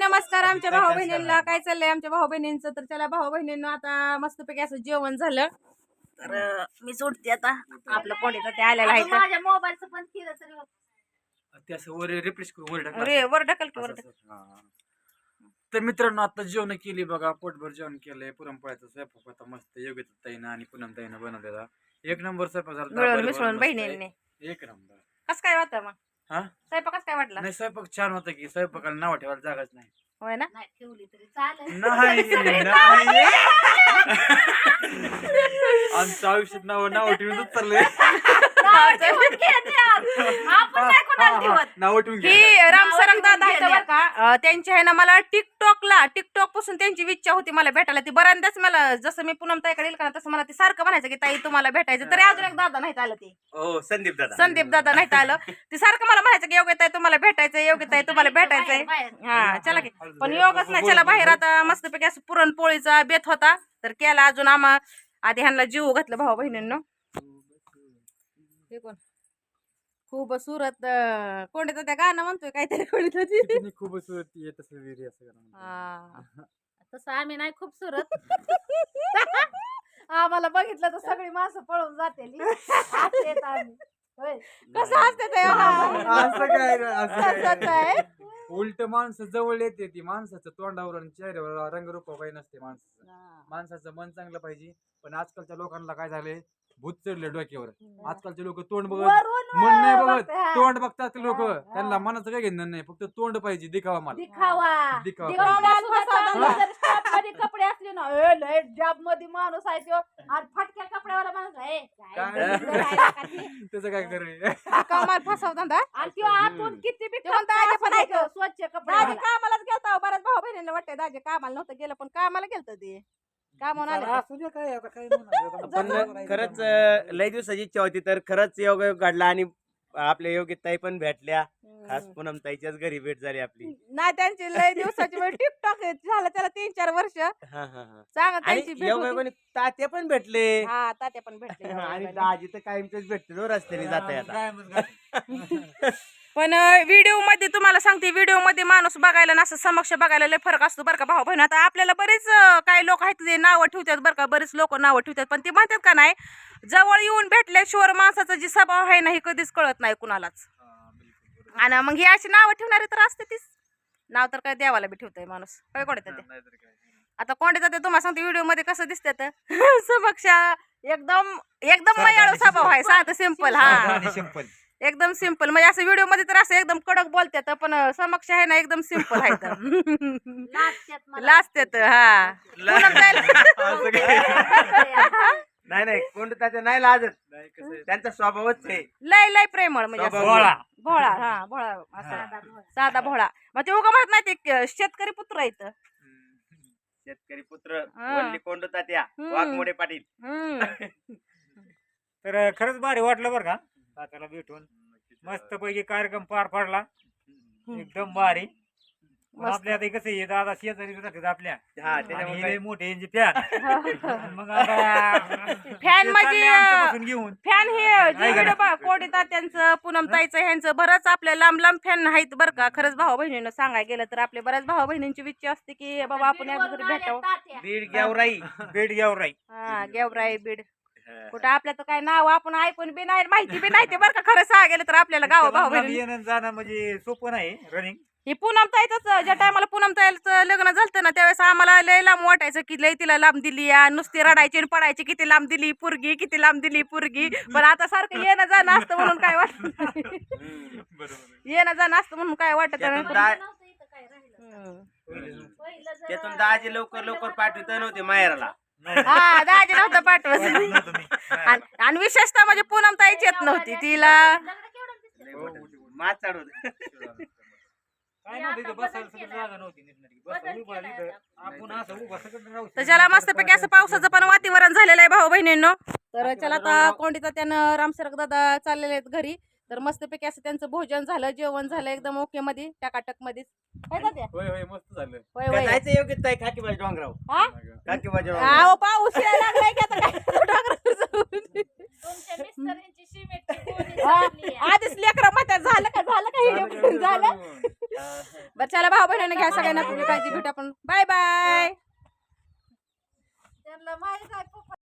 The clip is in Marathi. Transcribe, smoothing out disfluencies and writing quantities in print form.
नमस्कार आमच्या भाऊ बहिणींना. काय चाललंय आमच्या भाऊ बहिणींचं? तर त्याला भाऊ बहिणींना आता मस्तपैकी असं जेवण झालं तर मी सोडते आता. आपलं कोणीचं ते आलेलं आहे तर माझ्या मोबाईलचं पण केलं तरी ते असं वर रिफ्रेश करून वर टाकलं अरे वर ढकल की वर ढकल. हा. तर मित्रांनो आता जेवण केली बघा, पोटभर जेवण केलंय. पुरणपोळ्याचा स्वयंपाक होता मस्त योग्य ताईनं आणि पुनम ताईनं बनवलेला. एक नंबर स्वयंपाक झाला. मिळून बरोबर मिसळून मस्त बहिणींनी. आहे. एक नंबर. कसं काय वाटतं मग? हा स्वयंपाक कसं काय वाटला? नाही स्वयंपाक छान होता की स्वयंपाकाला नाव ठेवायला जागाच नाही. होय ना? नाही ठेवली तरी चालेल. नाही आमच्या आयुष्यात नाव ठेवूनच चाललंय. नाव ठेवून ही रामसरंग दादा आहेत बरं का. त्यांची आहे ना मला टिकटॉक पासून त्यांची इच्छा होती मला भेटायला. ती बऱ्याचदाच मला जसं मी पूनम ताईकडे येईल का तसं मला ती सारखं म्हणायचं की ताई तुम्हाला भेटायचं. तरी अजून एक दादा नाहीत आलं. ते संदीप दादा नाहीत आलं. ते सारखं मला म्हणायचं की योग्य ताई तुम्हाला भेटायचंय, योग्य ताई तुम्हाला भेटायचंय. हा चला की. पण योगच नाही. चला बाहेर आता मस्तपैकी असं पुरणपोळीचा बेत होता तर केला. अजून आम्हा आधी ह्यांना जीव घातलं भाऊ बहिणींनो. खूप सुरत कोणतं त्या गाणं म्हणतोय काहीतरी कोणतं खूप तसं तसं आम्ही नाही खूप सुरत. आम्हाला बघितलं तर सगळी माणसं पळून जाते. कसं असते ते असं काय उलट माणसं जवळ येते ती. माणसाचं तोंडावर आणि चेहऱ्यावर रंगरूप काही नसते. माणसाचं मन चांगलं पाहिजे. पण आजकालच्या लोकांना काय झालंय, भूत चढले डोक्यावर. आजकालचे लोक तोंड बघत मन नाही बघत, तोंड बघतात लोक. त्यांना मनाचं काय घेणं नाही, फक्त तोंड पाहिजे. दिखावा मला कपडे असले ना जॉब मध्ये माणूस आहे तो आणि फटक्या कपड्यावाला माणूस आहे त्याचं काय करे कामाला फसवता. आणि तो आतून किती बी स्वच्छ कपडे कामालाच गेलता. बऱ्याच भाऊ बहिणीला वाटतंय दाजे कामाला नव्हतं गेलं पण कामाला गेलत ते. काम पण खरंच लय दिवसाची इच्छा होती तर खरंच योग घडला आणि आपल्या योग्यताई पण भेटल्या. खास पूनम ताईच्याच घरी भेट झाली आपली. नाही त्यांची लय दिवसाची टिकटॉक झालं त्याला 3-4 वर्ष चांगलं त्यांची भेट होती. तात्या पण भेटले. हा तात्या पण भेटले. आणि दाजी तर कायमच भेटले रस्त्याने जाता. पण व्हिडिओ मध्ये तुम्हाला सांगते, व्हिडिओ मध्ये माणूस बघायला ना असं समक्ष बघायला लय फरक असतो बरं का भाऊ बहीण. आता आपल्याला बरेच काही लोक आहेत ते नावं ठेवतात बरं का, बरेच लोक नावं ठेवतात. पण ते म्हणतात का नाही, जवळ येऊन भेटल्याशिवाय माणसाचा जी स्वभाव आहे ना हे कधीच कळत नाही कुणालाच. आणि मग ही अशी नावं ठेवणारी तर असते तीच. नाव तर काय देवाला बी ठेवतंय माणूस. काय कोणते ते आता कोणते जाते तुम्हाला सांगते व्हिडिओ मध्ये कसं दिसतात समक्ष एकदम मयाळू स्वभाव आहे. साधं सिंपल. हा एकदम सिंपल. म्हणजे असं व्हिडिओ मध्ये तर असं एकदम कडक बोलतात पण समक्ष आहे ना एकदम सिंपल आहे. लाजतात. हा नाही कोण त्याच्या नाही लाजत. त्यांचा स्वभावच आहे लय प्रेमळ. म्हणजे भोळा. हा भोळा साधा भोळा. मग ते उगा म्हणत नाही ते शेतकरी पुत्र आहेत. शेतकरी पुत्र वल्ली कोंड तात्या वाघमोडे पाटील. तर खरंच भारी वाटलं बरं का तात्याला भेटून. मस्त पैकी कार्यक्रम पार पडला एकदम भारी. आपल्या आता कसं आहे दादा शेजारी आपल्या मोठे फॅन. मग फॅन म्हणजे घेऊन फॅन हे कोडी तात्यांचं पूनम ताईचं ह्यांचं बरंच आपल्या लांब फॅन आहेत बरं का. खरंच भाऊ बहिणीनं सांगायला गेलं तर आपल्या बऱ्याच भाऊ बहिणींची इच्छा असते की बाबा आपण एकदा तरी भेटावं. बीड गेवराई. हा गेवराई बीड. कुठं आपल्या तर काय नाव आपण ऐकून बी नाही, माहिती बी नाही ते बरं का. खरं सांगा गेलं तर आपल्याला गाव भाऊ बहिणी येणं जाणं म्हणजे सोपं नाही रनिंग. हे पूनम ताईच ज्या टायमाला पूनम ताईचं लग्न झालं ना त्यावेळेस आम्हाला लय लांब वाटायचं की लय तिला लांब दिली, नुसती रडायची आणि पडायची किती लांब दिली पुरगी, किती लांब दिली पुरगी. पण आता सारखं येणं जाणं असतं म्हणून काय वाटत येणं जाणं असतं म्हणून काय वाटत. त्यातून दाजी लवकर पाठवत नव्हते माहेराला. हा दाजी नव्हतं पाठवत. आणि विशेषतः म्हणजे पूनम ताईच येत नव्हती तिला. मात चढवत तर चला मस्तपैकी असं पावसाचं पण वातावरण झालेलं आहे भाऊ बहिणींनो. तर चला आता कोंडीचा त्यानं रामसरक दादा चाललेले आहेत घरी. तर मस्तपैकी असं त्यांचं भोजन झालं, जेवण झालं एकदम ओके मध्ये टकाटक मध्ये. मस्त झालं. जायचं योग्य ताई खाकीबाजी डोंगराव. खाकीबाजी पाऊस यायला लागलाय की आता काय आधीच लेकरं म्हणतात झालं का झालं बरं चला भाऊ बहिणीने घ्या सगळ्यांना आपली काळजी भेटू आपण बाय बाय. त्यांना माहित आहे पप्पा